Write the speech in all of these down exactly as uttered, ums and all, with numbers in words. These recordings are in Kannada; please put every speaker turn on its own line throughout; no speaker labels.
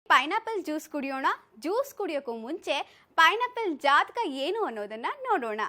ಪೈನಾಪಲ್ ಜ್ಯೂಸ್ ಕುಡಿಯೋಣ. ಜ್ಯೂಸ್ ಕುಡಿಯೋಕ್ಕೂ ಮುಂಚೆ ಪೈನಾಪಲ್ ಜಾತಕ ಏನು ಅನ್ನೋದನ್ನ ನೋಡೋಣ.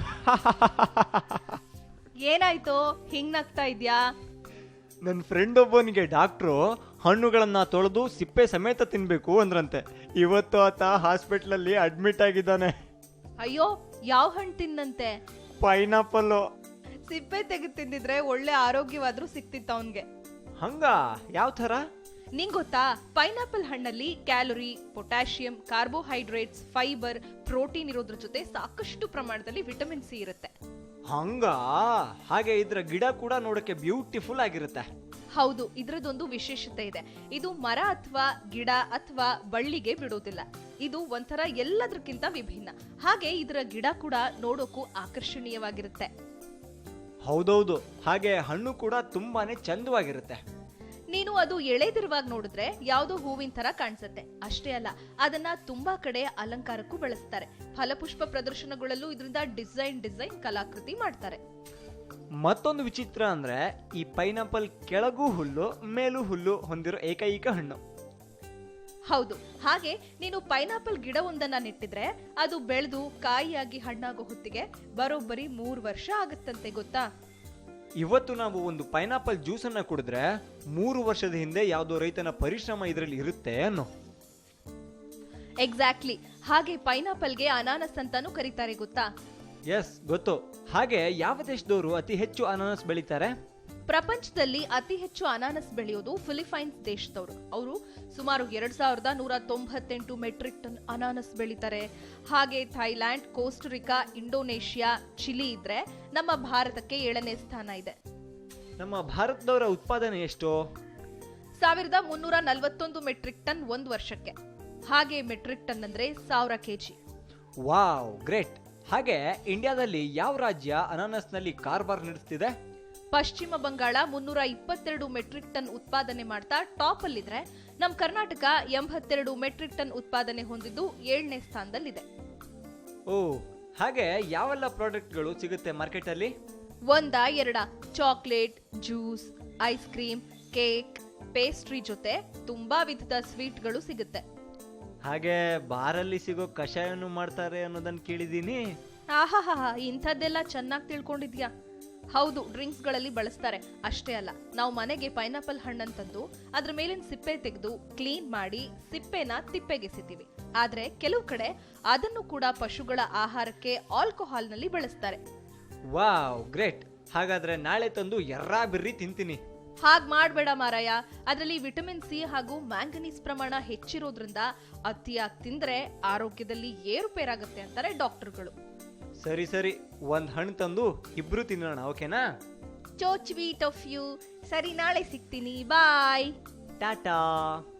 ಏನಾಯ್ತು ಹಿಂಗ್ ನಗ್ತಾ ಇದ್ಯಾ?
ನನ್ನ ಫ್ರೆಂಡ್ ಒಬ್ಬನಿಗೆ ಡಾಕ್ಟ್ರು ಹಣ್ಣುಗಳನ್ನ ತೊಳೆದು ಸಿಪ್ಪೆ ಸಮೇತ ತಿನ್ಬೇಕು ಅಂದ್ರಂತೆ. ಇವತ್ತು ಆತ ಹಾಸ್ಪಿಟ್ಲಲ್ಲಿ ಅಡ್ಮಿಟ್ ಆಗಿದ್ದಾನೆ.
ಅಯ್ಯೋ, ಯಾವ ಹಣ್ಣು ತಿನ್ನಂತೆ?
ಪೈನಾಪಲ್.
ಸಿಪ್ಪೆ ತೆಗೆದು ತಿಂದಿದ್ರೆ ಒಳ್ಳೆ ಆರೋಗ್ಯವಾದ್ರೂ ಸಿಕ್ತಿತ್ತು ಅವನ್ಗೆ.
ಹಂಗ ಯಾವ ತರ?
ನಿಂಗ್ ಗೊತ್ತಾ, ಪೈನಾಪಲ್ ಹಣ್ಣಲ್ಲಿ calorie, potassium, carbohydrates, fibre, protein ಇರೋದ್ರ ಜೊತೆ ಸಾಕಷ್ಟು ಪ್ರಮಾಣದಲ್ಲಿ ವಿಟಮಿನ್ ಸಿ ಇರುತ್ತೆ.
ಹಂಗ ಹಾಗೆ ಇದ್ರ ಗಿಡ ಕೂಡ ನೋಡಕ್ಕೆ ಬ್ಯೂಟಿಫುಲ್ ಆಗಿರುತ್ತೆ.
ಹೌದು, ಇದ್ರದೊಂದು ವಿಶೇಷತೆ ಇದೆ. ಇದು ಮರ ಅಥವಾ ಗಿಡ ಅಥವಾ ಬಳ್ಳಿಗೆ ಬಿಡೋದಿಲ್ಲ. ಇದು ಒಂಥರ ಎಲ್ಲದಕ್ಕಿಂತ ವಿಭಿನ್ನ. ಹಾಗೆ ಇದರ ಗಿಡ ಕೂಡ ನೋಡೋಕು ಆಕರ್ಷಣೀಯವಾಗಿರುತ್ತೆ.
ಹೌದೌದು, ಹಾಗೆ ಹಣ್ಣು ಕೂಡ ತುಂಬಾನೇ ಚಂದವಾಗಿರುತ್ತೆ.
ನೀನು ಅದು ಎಳೆದಿರುವಾಗ ನೋಡಿದ್ರೆ ಯಾವ್ದೋ ಹೂವಿನ ತರ ಕಾಣಿಸುತ್ತೆ. ಅಷ್ಟೇ ಅಲ್ಲ, ಅದನ್ನ ತುಂಬಾ ಕಡೆ ಅಲಂಕಾರಕ್ಕೂ ಬಳಸ್ತಾರೆ. ಫಲಪುಷ್ಪ ಪ್ರದರ್ಶನಗಳಲ್ಲೂ ಇದರಿಂದ ಡಿಸೈನ್ ಡಿಸೈನ್ ಕಲಾಕೃತಿ ಮಾಡ್ತಾರೆ.
ಮತ್ತೊಂದು ವಿಚಿತ್ರ ಅಂದ್ರೆ ಈ ಪೈನಾಪಲ್ ಕೆಳಗೂ ಹುಲ್ಲು ಮೇಲೂ ಹುಲ್ಲು ಹೊಂದಿರೋ ಏಕೈಕ ಹಣ್ಣು.
ಹೌದು, ಹಾಗೆ ನೀನು ಪೈನಾಪಲ್ ಗಿಡವೊಂದನ್ನ ನೆಟ್ಟಿದ್ರೆ ಅದು ಬೆಳೆದು ಕಾಯಿಯಾಗಿ ಹಣ್ಣಾಗೋ ಹೊತ್ತಿಗೆ ಬರೋಬ್ಬರಿ ಮೂರು ವರ್ಷ ಆಗುತ್ತಂತೆ, ಗೊತ್ತಾ?
ಇವತ್ತು ನಾವು ಒಂದು ಪೈನಾಪಲ್ ಜ್ಯೂಸ್ ಅನ್ನ ಕುಡಿದ್ರೆ ಮೂರು ವರ್ಷದ ಹಿಂದೆ ಯಾವುದೋ ರೈತನ ಪರಿಶ್ರಮ ಇದರಲ್ಲಿ ಇರುತ್ತೆ ಅನ್ನೋ.
ಎಕ್ಸಾಕ್ಟ್ಲಿ. ಹಾಗೆ ಪೈನಾಪಲ್ಗೆ ಅನಾನಸ್ ಅಂತಾನೂ ಕರೀತಾರೆ, ಗೊತ್ತಾ?
ಎಸ್, ಗೊತ್ತು. ಹಾಗೆ ಯಾವ ದೇಶದವರು ಅತಿ ಹೆಚ್ಚು ಅನಾನಸ್ ಬೆಳೀತಾರೆ?
ಪ್ರಪಂಚದಲ್ಲಿ ಅತಿ ಹೆಚ್ಚು ಅನಾನಸ್ ಬೆಳೆಯೋದು ಫಿಲಿಪೈನ್ಸ್ ದೇಶದವರು. ಅವರು ಸುಮಾರು ಎರಡ್ ಸಾವಿರದ ನೂರ ತೊಂಬತ್ತೆಂಟು ಮೆಟ್ರಿಕ್ ಟನ್ ಅನಾನಸ್ ಬೆಳೀತಾರೆ. ಹಾಗೆ ಥೈಲ್ಯಾಂಡ್, ಕೋಸ್ಟರಿಕಾ, ಇಂಡೋನೇಷಿಯಾ, ಚಿಲಿ ಇದ್ರೆ ನಮ್ಮ ಭಾರತಕ್ಕೆ ಏಳನೇ ಸ್ಥಾನ ಇದೆ.
ನಮ್ಮ ಭಾರತದವರ ಉತ್ಪಾದನೆ ಎಷ್ಟು?
ಸಾವಿರದ ಮುನ್ನೂರ ನಲವತ್ತೊಂದು ಮೆಟ್ರಿಕ್ ಟನ್ ಒಂದು ವರ್ಷಕ್ಕೆ. ಹಾಗೆ ಮೆಟ್ರಿಕ್ ಟನ್ ಅಂದ್ರೆ ಸಾವಿರ ಕೆಜಿ.
Wow, great. ಹಾಗೆ ಇಂಡಿಯಾದಲ್ಲಿ ಯಾವ ರಾಜ್ಯ ಅನಾನಸ್ನಲ್ಲಿ ಕಾರ್ಬಾರ್ ನಡೆಸ್ತಿದೆ?
ಪಶ್ಚಿಮ ಬಂಗಾಳ ಮುನ್ನೂರ ಇಪ್ಪತ್ತೆರಡು ಮೆಟ್ರಿಕ್ ಟನ್ ಉತ್ಪಾದನೆ ಮಾಡ್ತಾ ಟಾಪ್ ಅಲ್ಲಿದ್ರೆ, ನಮ್ ಕರ್ನಾಟಕ ಎಂಬತ್ತೆರಡು ಮೆಟ್ರಿಕ್ ಟನ್ ಉತ್ಪಾದನೆ ಹೊಂದಿದ್ದು ಏಳನೇ ಸ್ಥಾನದಲ್ಲಿದೆ.
ಓ, ಹಾಗೆ ಯಾವೆಲ್ಲ ಪ್ರಾಡಕ್ಟ್ಗಳು ಸಿಗುತ್ತೆ ಮಾರ್ಕೆಟ್ ಅಲ್ಲಿ?
ಒಂದ ಎರಡ chocolate, juice, ice cream, cake, pastry ಜೊತೆ ತುಂಬಾ ವಿಧದ ಸ್ವೀಟ್ಗಳು ಸಿಗುತ್ತೆ.
ಹಾಗೆ ಬಾರಲ್ಲಿ ಸಿಗೋ ಕಷಾಯನು ಮಾಡ್ತಾರೆ ಅನ್ನೋದನ್ನ ಕೇಳಿದೀನಿ.
ಆಹಾಹಾ, ಇಂಥದ್ದೆಲ್ಲ ಚೆನ್ನಾಗಿ ತಿಳ್ಕೊಂಡಿದ್ಯಾ? ಹೌದು, ಡ್ರಿಂಕ್ಸ್ ಗಳಲ್ಲಿ ಬಳಸ್ತಾರೆ. ಅಷ್ಟೇ ಅಲ್ಲ, ನಾವು ಮನೆಗೆ ಪೈನಾಪಲ್ ಹಣ್ಣನ್ ತಂದು ಅದ್ರ ಮೇಲಿನ ಸಿಪ್ಪೆ ತೆಗೆದು ಕ್ಲೀನ್ ಮಾಡಿ ಸಿಪ್ಪೆನ ತಿಪ್ಪೆಗೆಸಿತೀವಿ. ಆದ್ರೆ ಕೆಲವು ಕಡೆ ಅದನ್ನು ಕೂಡ ಪಶುಗಳ ಆಹಾರಕ್ಕೆ ಆಲ್ಕೋಹಾಲ್ ನಲ್ಲಿ ಬಳಸ್ತಾರೆ.
Wow, great. ಹಾಗಾದ್ರೆ ನಾಳೆ ತಂದು ಎರ್ರಾ ಬಿರ್ರಿ ತಿಂತೀನಿ.
ಹಾಗ್ ಮಾಡ್ಬೇಡ ಮಾರಾಯ. ಅದರಲ್ಲಿ ವಿಟಮಿನ್ ಸಿ ಹಾಗೂ ಮ್ಯಾಂಗನೀಸ್ ಪ್ರಮಾಣ ಹೆಚ್ಚಿರೋದ್ರಿಂದ ಅತಿಯಾಗಿ ತಿಂದ್ರೆ ಆರೋಗ್ಯದಲ್ಲಿ ಏರುಪೇರಾಗುತ್ತೆ ಅಂತಾರೆ ಡಾಕ್ಟರ್ಗಳು.
ಸರಿ ಸರಿ, ಒಂದ್ ಹಣ್ಣು ತಂದು ಇಬ್ರು ತಿನ್ನೋಣ, ಓಕೆನಾ?
So sweet of you. ಸರಿ, ನಾಳೆ ಸಿಗ್ತೀನಿ. ಬಾಯ್.
ಟಾಟಾ.